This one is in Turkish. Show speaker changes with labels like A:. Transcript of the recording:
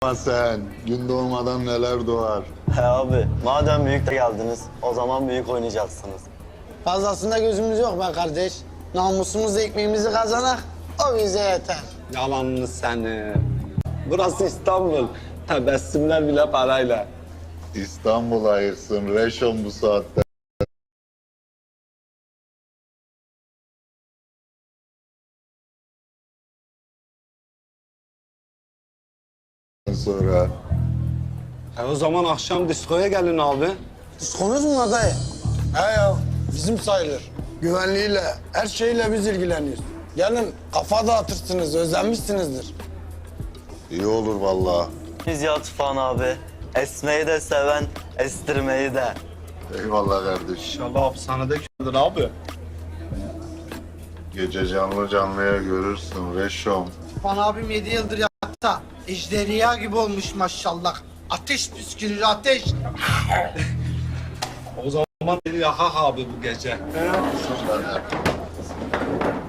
A: sen. Gün doğmadan neler doğar.
B: He abi, madem büyük de geldiniz, o zaman büyük oynayacaksınız.
C: Fazlasında gözümüz yok be kardeş. Namusumuzla ekmeğimizi kazanak, o bize yeter.
D: Yalanını seni. Burası İstanbul. Tebessümler bile parayla.
A: İstanbul ayırsın, Reşon bu saatte. Sonra
D: O zaman akşam diskoya gelin abi.
C: Diskonuz mu var dayı?
E: He ya, bizim sayılır. Güvenliğiyle, her şeyle biz ilgileniyoruz. Gelin kafa dağıtırsınız, özlenmişsinizdir.
A: iyi olur vallahi.
B: Biz ya Tufan abi, esmeyi de seven, estirmeyi de.
A: Eyvallah kardeş.
D: İnşallah hapishanede kalır abi.
A: Gece canlı canlıya görürsün Reşon.
C: Fan abim 7 yıldır yatta. Ejderha gibi olmuş maşallah. Ateş püskürür ateş.
D: O zaman beni yakak abi bu gece.